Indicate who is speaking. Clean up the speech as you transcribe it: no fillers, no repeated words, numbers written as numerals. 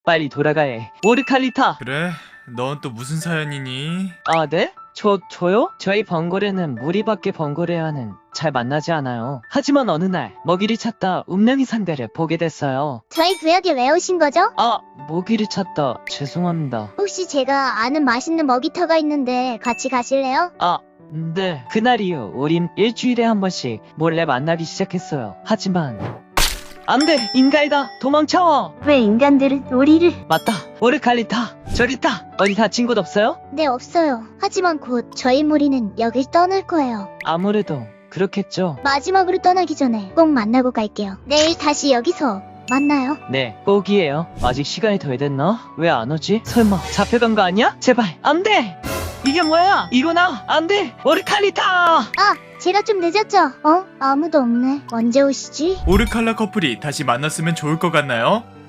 Speaker 1: 빨리 돌아가야 해. 오르칼리타!
Speaker 2: 그래? 넌 또 무슨 사연이니?
Speaker 1: 아, 네? 저요? 저희 번거래는 무리밖에 번거래와는 잘 만나지 않아요. 하지만 어느 날 먹이를 찾다 운명의 상대를 보게 됐어요.
Speaker 3: 저희 구역에 왜 오신 거죠?
Speaker 1: 아, 먹이를 찾다 죄송합니다.
Speaker 3: 혹시 제가 아는 맛있는 먹이터가 있는데 같이 가실래요?
Speaker 1: 아, 네. 그날 이후 우린 일주일에 한 번씩 몰래 만나기 시작했어요. 하지만 안 돼! 인간이다! 도망쳐!
Speaker 3: 왜 인간들은 우리를...
Speaker 1: 맞다! 오르칼리타! 저리타! 어디 다친 곳 없어요?
Speaker 3: 네, 없어요. 하지만 곧 저희 무리는 여길 떠날 거예요.
Speaker 1: 아무래도 그렇겠죠.
Speaker 3: 마지막으로 떠나기 전에 꼭 만나고 갈게요. 내일 다시 여기서 만나요.
Speaker 1: 네, 꼭이에요. 아직 시간이 덜 됐나? 왜 안 오지? 설마 잡혀간 거 아니야? 제발 안 돼! 이게 뭐야? 이거나 안 돼! 오르칼리타!
Speaker 3: 아, 제가 좀 늦었죠? 아무도 없네. 언제 오시지?
Speaker 2: 오르칼라 커플이 다시 만났으면 좋을 것 같나요?